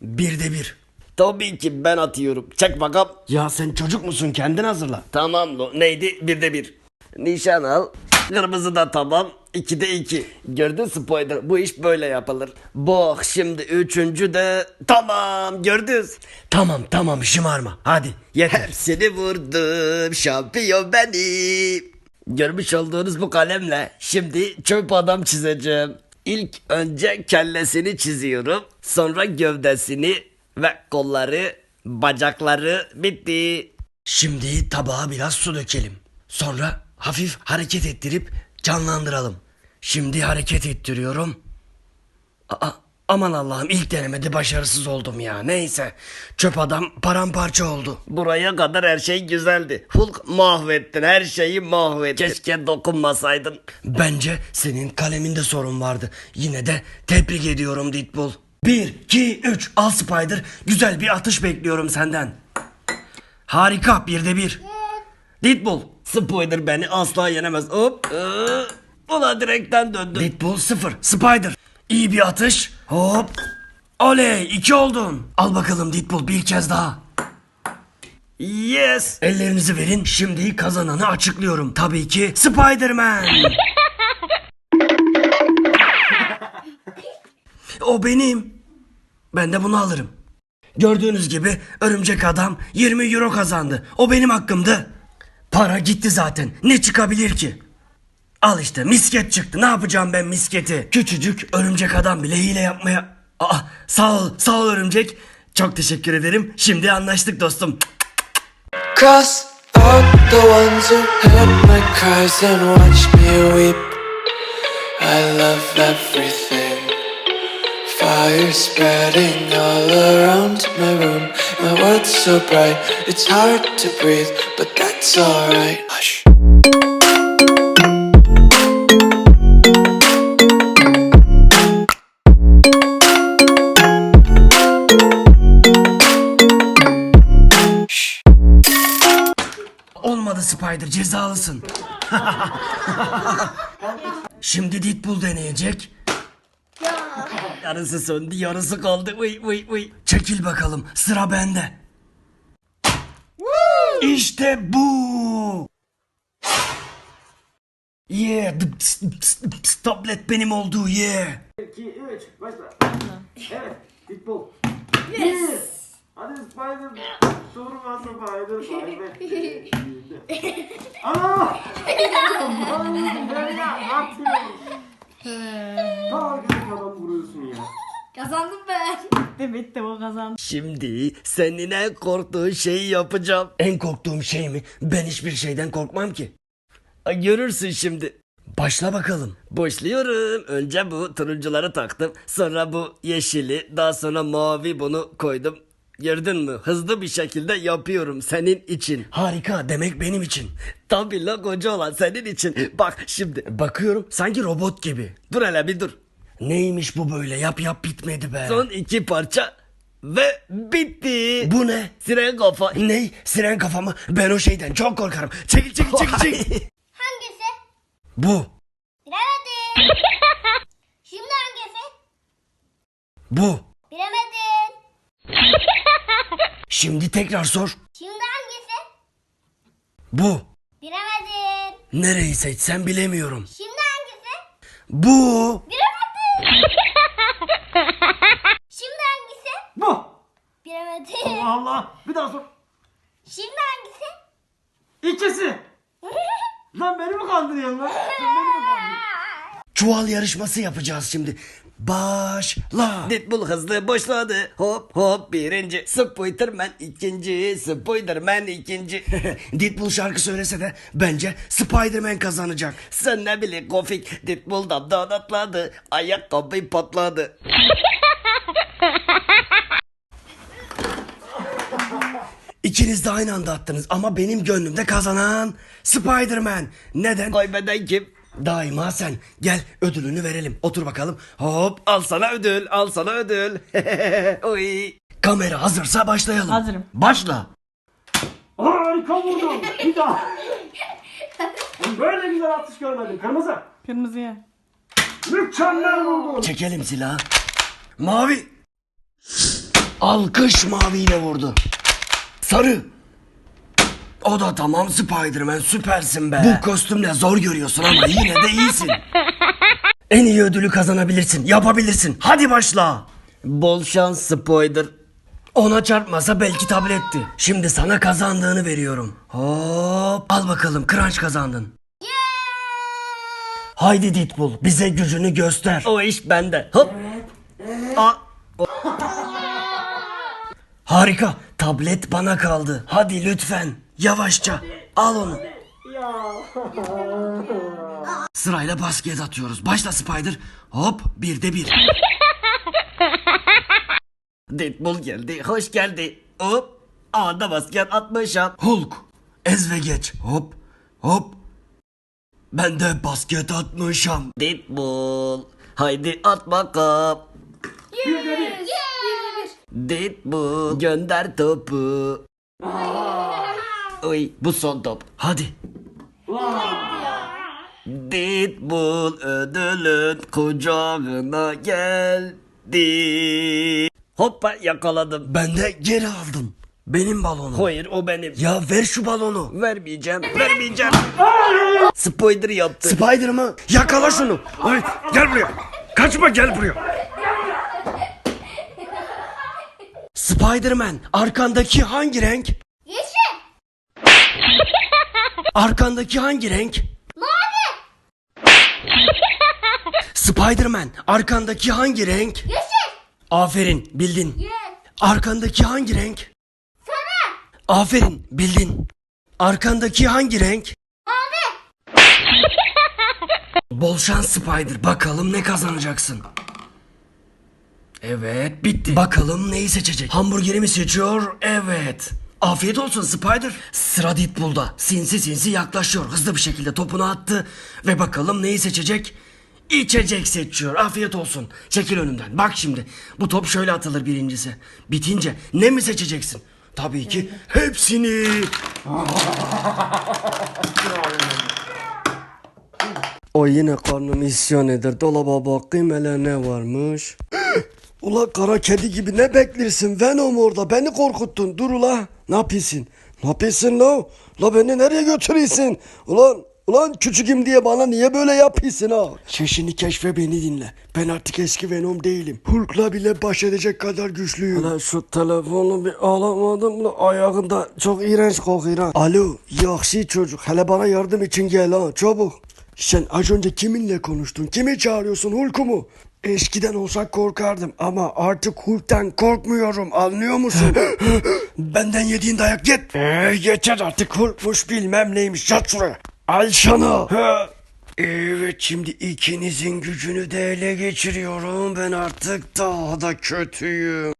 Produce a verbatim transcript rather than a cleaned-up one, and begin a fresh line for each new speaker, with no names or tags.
Birde bir.
Tabii ki ben atıyorum. Çek bakalım.
Ya sen çocuk musun? Kendin hazırla.
Tamam lo. Neydi? Birde bir. Nişan al. Kırmızı da tamam. İkide iki. Gördün Spider. Bu iş böyle yapılır. Bak şimdi üçüncü de tamam. Gördünüz.
Tamam tamam şımarma. Hadi yeter.
Hepsini vurdum. Şampiyon benim. Görmüş olduğunuz bu kalemle şimdi çöp adam çizeceğim. İlk önce kellesini çiziyorum. Sonra gövdesini ve kolları, bacakları bitti.
Şimdi tabağa biraz su dökelim. Sonra hafif hareket ettirip canlandıralım. Şimdi hareket ettiriyorum. Aa, aman Allah'ım, ilk denemede başarısız oldum ya. Neyse, çöp adam paramparça oldu.
Buraya kadar her şey güzeldi. Hulk mahvettin, her şeyi mahvettin. Keşke dokunmasaydın.
Bence senin kaleminde sorun vardı. Yine de tebrik ediyorum Deadpool. Bir, iki, üç. Al Spider. Güzel bir atış bekliyorum senden. Harika, birde bir. Deadpool.
Spider beni asla yenemez. Hop. Ee, Ulan direkten döndü.
Deadpool sıfır. Spider. İyi bir atış. Hop. Oley, iki oldun. Al bakalım Deadpool, bir kez daha.
Yes.
Ellerinizi verin. Şimdi kazananı açıklıyorum. Tabii ki Spider-Man. O benim. Ben de bunu alırım. Gördüğünüz gibi örümcek adam yirmi euro kazandı. O benim hakkımdı. Para gitti zaten. Ne çıkabilir ki? Al işte, misket çıktı. Ne yapacağım ben misketi? Küçücük örümcek adam bile hile yapmaya... Aa, sağ ol, sağ ol örümcek. Çok teşekkür ederim. Şimdi anlaştık dostum.
Cross out the ones who heard my cries and watched me weep. I love everything. Fire spreading all around my room. My world's so bright, it's hard to breathe, but that's alright. Hush.
Olmadı Spider, cezalısın. Şimdi Deadpool deneyecek.
Yarısı söndü, yarısı kaldı. Uy uy uy.
Çekil bakalım, sıra bende. İşte bu. Yeah, dıps, dıps, dıps, tablet benim oldu, yeah.
iki, üç, başla. Evet, Deadpool. Yes. Hadi Spider. Durma Spider. Spider. Ana! Ben ya atıyorum. Ta arkadaş adam vuruyorsun ya.
Kazandım ben.
Evet de o kazandı.
Şimdi senin en korktuğun şeyi yapacağım.
En korktuğum şey mi? Ben hiçbir şeyden korkmam ki.
Ay, görürsün şimdi.
Başla bakalım.
Başlıyorum. Önce bu turuncuları taktım. Sonra bu yeşili. Daha sonra mavi bunu koydum. Gördün mü? Hızlı bir şekilde yapıyorum senin için.
Harika, demek benim için.
Tabii la koca olan senin için. Bak şimdi.
Bakıyorum, sanki robot gibi.
Dur hele bir dur.
Neymiş bu böyle? Yap yap bitmedi be.
Son iki parça. Ve bitti.
Bu ne?
Siren kafa.
Ne? Siren kafamı? Ben o şeyden çok korkarım. Çekil çekil çekil çekil.
Hangisi?
Bu.
Bilemedim. Şimdi hangisi?
Bu.
Bilemedin.
Şimdi tekrar sor.
Şimdi hangisi?
Bu.
Bilemedin.
Nereyi seçsem bilemiyorum.
Şimdi hangisi?
Bu.
Bilemedin. Şimdi hangisi?
Bu.
Bilemedin.
Allah Allah. Bir daha sor.
Şimdi hangisi?
İkisi. Lan beni mi kandırıyorsun lan? Sen beni mi kandırıyorsun?
Çuval yarışması yapacağız şimdi. Başla.
Deadpool hızlı başladı. Hop hop birinci. Spider-Man ikinci. Spider-Man ikinci.
Deadpool şarkı söylese de bence Spider-Man kazanacak.
Sen ne bileyim Kofik. Deadpool damdan atladı. Ayakkabı patladı.
İkiniz de aynı anda attınız ama benim gönlümde kazanan Spider-Man. Neden?
Kaybeden kim?
Daima sen. Gel ödülünü verelim. Otur bakalım. Hop.
Al sana ödül. Al sana ödül. Oy.
Kamera hazırsa başlayalım.
Hazırım.
Başla.
Harika vurdum. Bir daha. Ben böyle güzel atış görmedim. Kırmızı.
Kırmızıya.
Mükemmel vurdun.
Çekelim silahı. Mavi. Alkış maviyle vurdu. Sarı. O da tamam Spider-Man, süpersin be. Bu kostümle zor görüyorsun ama yine de iyisin. En iyi ödülü kazanabilirsin, yapabilirsin. Hadi başla.
Bol şans Spider.
Ona çarpmasa belki tabletti. Şimdi sana kazandığını veriyorum. Hop. Al bakalım, Crunch kazandın. Haydi Deadpool, bize gücünü göster.
O iş bende. Hop. Aa,
Harika, tablet bana kaldı. Hadi lütfen, yavaşça. Al onu. Sırayla basket atıyoruz. Başla Spider. Hop, bir de bir.
Deadpool geldi. Hoş geldi. Hop. Anda basket atmışım.
Hulk, ez ve geç. Hop, hop. Ben de basket atmışım.
Deadpool. Haydi at bakalım. Deadpool. Gönder topu. Oy, bu son top.
Hadi.
Deadpool ödülün kucağına geldi. Hoppa yakaladım.
Ben de geri aldım. Benim balonum.
Hayır o benim.
Ya ver şu balonu.
Vermeyeceğim. Vermeyeceğim. Spider yaptı.
Spider mı? Yakala şunu.
Ay, gel buraya. Kaçma, gel buraya.
Spider-Man, arkandaki hangi renk?
Yeşil.
Arkandaki hangi renk?
Mavi.
Spider-Man, arkandaki hangi renk?
Yeşil.
Aferin, bildin.
Yes.
Arkandaki hangi renk?
Sarı.
Aferin, bildin. Arkandaki hangi renk?
Mavi.
Bol şans Spider. Bakalım ne kazanacaksın? Evet, bitti. Bakalım neyi seçecek? Hamburgeri mi seçiyor? Evet. Afiyet olsun Spider. Sıra Deadpool'da. Sinsi sinsi yaklaşıyor. Hızlı bir şekilde topunu attı. Ve bakalım neyi seçecek? İçecek seçiyor. Afiyet olsun. Çekil önümden. Bak şimdi. Bu top şöyle atılır birincisi. Bitince ne mi seçeceksin? Tabii ki hepsini. O yine karnım isyan eder. Dolaba bakayım hele ne varmış. Ula kara kedi gibi ne beklersin Venom orada, beni korkuttun. Dur ula, ne yapıyorsun? Ne yapıyorsun la? La beni nereye götürüyorsun? Ulan ulan küçüküm diye bana niye böyle yapıyorsun ha? Şişini keşfe, beni dinle. Ben artık eski Venom değilim. Hulk'la bile baş edecek kadar güçlüyüm. Ulan şu telefonu bir alamadım da ayağında çok iğrenç kokuyor ha. Alo yakşı çocuk, hele bana yardım için gel ha, çabuk. Sen az önce kiminle konuştun? Kimi çağırıyorsun, Hulk'u mu? Eskiden olsak korkardım ama artık Hulk'tan korkmuyorum, anlıyor musun? Benden yediğin dayak yet. Ee, yeter artık, Hulk'muş bilmem neymiş, yat şuraya. Al sana. Evet, şimdi ikinizin gücünü de ele geçiriyorum. Ben artık daha da kötüyüm.